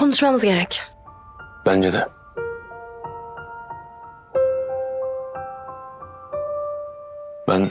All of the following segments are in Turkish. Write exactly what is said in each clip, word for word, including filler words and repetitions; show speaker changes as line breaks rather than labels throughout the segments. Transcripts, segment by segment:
Konuşmamız gerek.
Bence de. Ben...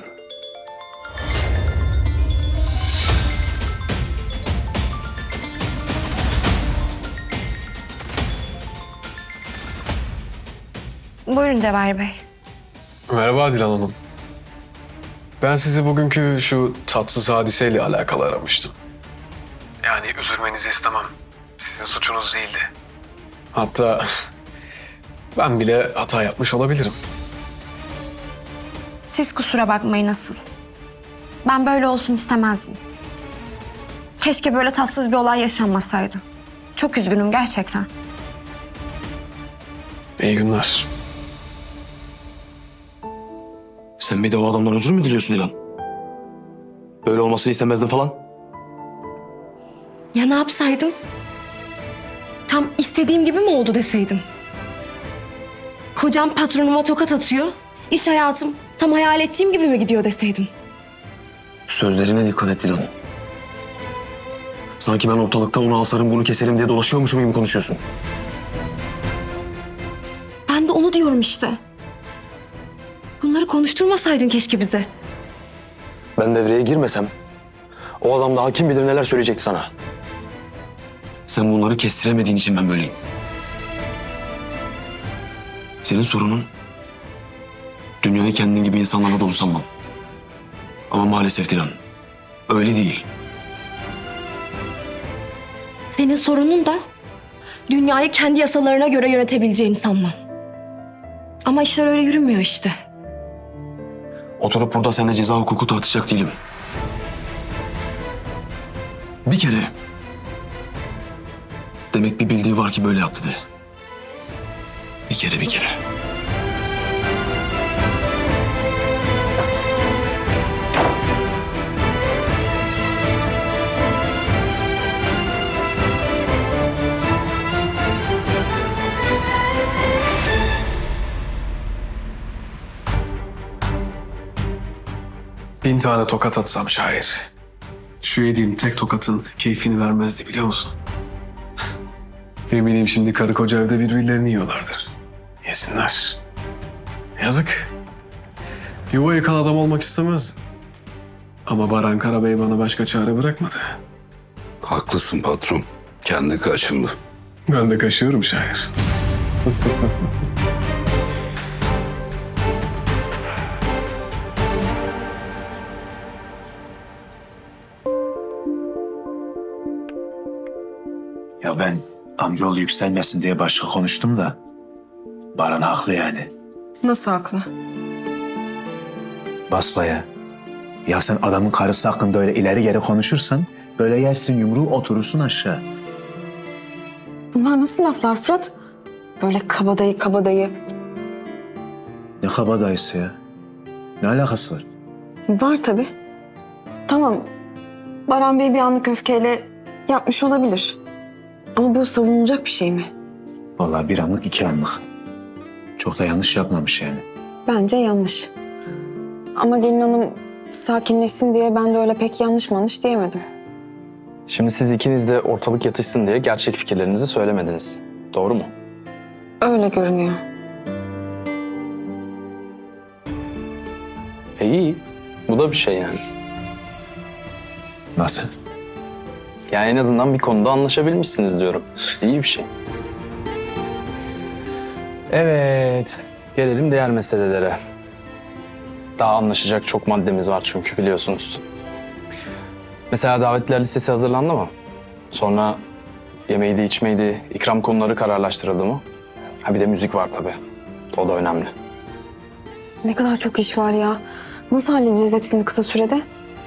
Buyurun Cevher Bey.
Merhaba Dilan Hanım. Ben sizi bugünkü şu tatsız hadiseyle alakalı aramıştım. Yani üzülmenizi istemem. Sizin suçunuz değildi. Hatta ben bile hata yapmış olabilirim.
Siz kusura bakmayın asıl. Ben böyle olsun istemezdim. Keşke böyle tatsız bir olay yaşanmasaydı. Çok üzgünüm gerçekten.
İyi günler.
Sen bir de o adamdan özür mü diliyorsun Dilan? Böyle olmasını istemezdin falan.
Ya ne yapsaydım? Tam istediğim gibi mi oldu deseydim? Kocam patronuma tokat atıyor. İş hayatım tam hayal ettiğim gibi mi gidiyor deseydim?
Sözlerine dikkat et Dilan. Sanki ben ortalıkta onu asarım bunu keserim diye dolaşıyormuşum gibi konuşuyorsun.
Ben de onu diyorum işte. Bunları konuşturmasaydın keşke bize.
Ben devreye girmesem o adam daha kim bilir neler söyleyecekti sana. Sen bunları kestiremediğin için ben böyleyim. Senin sorunun dünyayı kendin gibi insanlarla dolu sanmam. Ama maalesef Dilan öyle değil.
Senin sorunun da dünyayı kendi yasalarına göre yönetebileceğini sanman. Ama işler öyle yürümüyor işte.
Oturup burada seninle ceza hukuku tartışacak değilim. Bir kere demek bir bildiği var ki böyle yaptı de. Bir kere bir kere.
Bin tane tokat atsam şair. Şu yediğim tek tokatın keyfini vermezdi biliyor musun? Eminim şimdi karı koca evde birbirlerini yiyorlardır. Yesinler. Yazık. Yuva yıkan adam olmak istemezdim. Ama Baran Karabey bana başka çare bırakmadı.
Haklısın patron. Kendi kaşındı.
Ben de kaşıyorum şair.
Ya ben amcaoğlu yükselmesin diye başka konuştum da Baran haklı yani.
Nasıl haklı?
Basbaya. Ya sen adamın karısı hakkında öyle ileri geri konuşursan böyle yersin yumruğu oturursun aşağı.
Bunlar nasıl laflar Fırat? Böyle kabadayı kabadayı.
Ne kabadayısı ya? Ne alakası var?
Var tabii. Tamam. Baran Bey bir anlık öfkeyle yapmış olabilir. Ama bu savunulacak bir şey mi?
Vallahi bir anlık iki anlık. Çok da yanlış yapmamış yani.
Bence yanlış. Ama gelin hanım sakinleşsin diye ben de öyle pek yanlış manış diyemedim.
Şimdi siz ikiniz de ortalık yatışsın diye gerçek fikirlerinizi söylemediniz. Doğru mu?
Öyle görünüyor.
E iyi. Bu da bir şey yani.
Nasıl?
Yani en azından bir konuda anlaşabilmişsiniz diyorum. İyi bir şey. Evet. Gelelim diğer meselelere. Daha anlaşacak çok maddemiz var çünkü biliyorsunuz. Mesela davetliler listesi hazırlandı mı? Sonra yemeğiydi, içmeydi, ikram konuları kararlaştırıldı mı? Ha bir de müzik var tabii. O da önemli.
Ne kadar çok iş var ya. Nasıl halledeceğiz hepsini kısa sürede?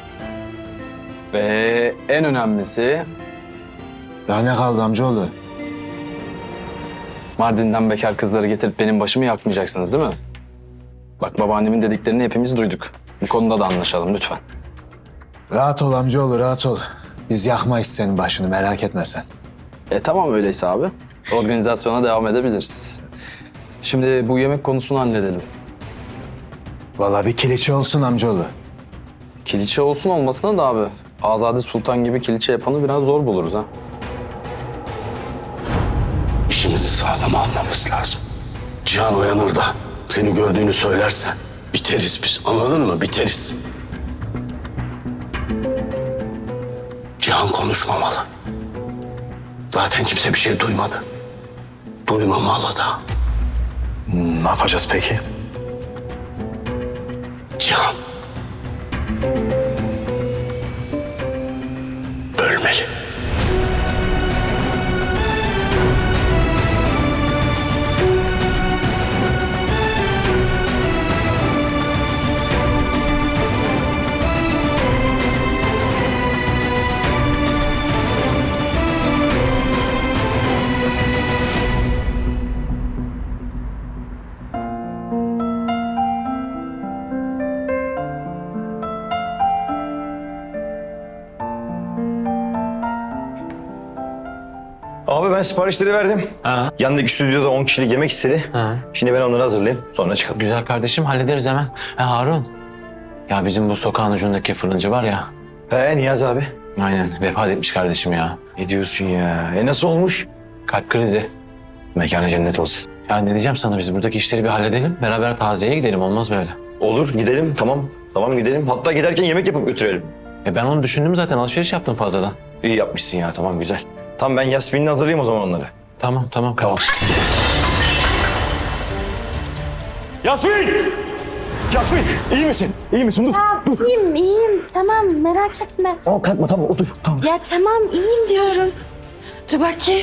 Ve en önemlisi
Daha ne kaldı amcaoğlu?
Mardin'den bekar kızları getirip benim başımı yakmayacaksınız değil mi? Bak babaannemin dediklerini hepimiz duyduk. Bu konuda da anlaşalım lütfen.
Rahat ol amcaoğlu rahat ol. Biz yakmayız senin başını merak etme sen.
E tamam öyleyse abi. Organizasyona devam edebiliriz. Şimdi bu yemek konusunu halledelim.
Vallahi bir kiliçi olsun amcaoğlu.
Kiliçe olsun olmasına da abi. Azade Sultan gibi kiliçe yapanı biraz zor buluruz ha.
yerimizi sağlam almamız lazım. Cihan uyanır da seni gördüğünü söylerse biteriz biz. Anladın mı? Biteriz. Cihan konuşmamalı. Zaten kimse bir şey duymadı. Duymamalı da.
Ne yapacağız peki?
Cihan. Ölmeli.
Abi ben siparişleri verdim.
Ha.
Yandaki stüdyoda on kişilik yemek istedi.
Ha.
Şimdi ben onları hazırlayayım. Sonra çıkalım.
Güzel kardeşim hallederiz hemen. Ha Harun. Ya bizim bu sokağın ucundaki fırıncı var ya.
He Niyaz abi.
Aynen vefat etmiş kardeşim ya.
Ne diyorsun ya? E nasıl olmuş?
Kalp krizi.
Mekanı cennet olsun.
Ya ne diyeceğim sana biz buradaki işleri bir halledelim. Beraber taziyeye gidelim olmaz böyle.
Olur gidelim tamam. Tamam gidelim. Hatta giderken yemek yapıp götürelim.
E ben onu düşündüm zaten alışveriş yaptım fazladan.
İyi yapmışsın ya tamam güzel. Tamam ben Yasmin'le hazırlayayım o zaman onları.
Tamam tamam tamam.
Yasmin! Yasmin iyi misin? İyi misin? Dur.
İyiyim, iyiyim. Tamam, merak etme.
Tamam kalkma tamam otur. Tamam.
Ya tamam, iyiyim diyorum. Dur bakayım.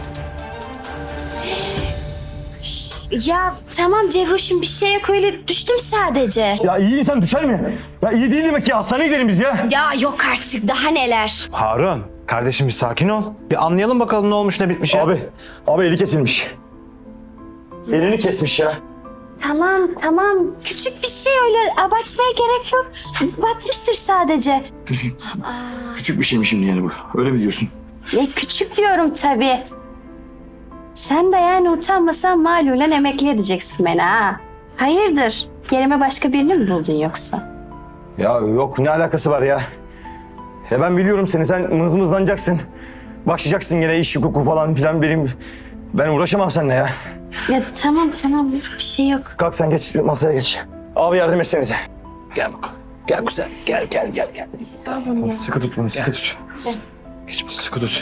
Şş, Ya tamam Cevroş'um bir şey yok öyle düştüm sadece.
Ya iyi insan düşer mi? Ya iyi değil demek ki hastaneye gidelim biz ya.
Ya yok artık daha neler.
Harun, kardeşim bir sakin ol. Bir anlayalım bakalım ne olmuş ne bitmiş ya.
Abi, abi eli kesilmiş. Elini kesmiş ya.
Tamam tamam küçük bir şey öyle abartmaya gerek yok. Batmıştır sadece.
Küçük bir şey mi şimdi yani bu? Öyle mi diyorsun?
Ya küçük diyorum tabii. Sen de yani utanmasan malulen emekli edeceksin beni ha. Hayırdır? Yerime başka birini mi buldun yoksa?
Ya yok ne alakası var ya? Ya ben biliyorum seni sen mızmızlanacaksın. Başlayacaksın gene iş hukuku falan filan benim... Ben uğraşamam seninle ya.
Ya tamam tamam bir şey yok.
Kalk sen geç masaya geç. Abi yardım etsenize. Gel bakalım. Gel güzel. Gel gel gel gel.
Sağ olun ya.
Sıkı tut bunu sıkı tut.
Geç sıkı tut.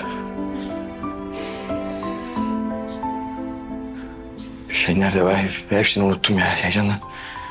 Şey nerede be? Hepsini unuttum ya heyecandan.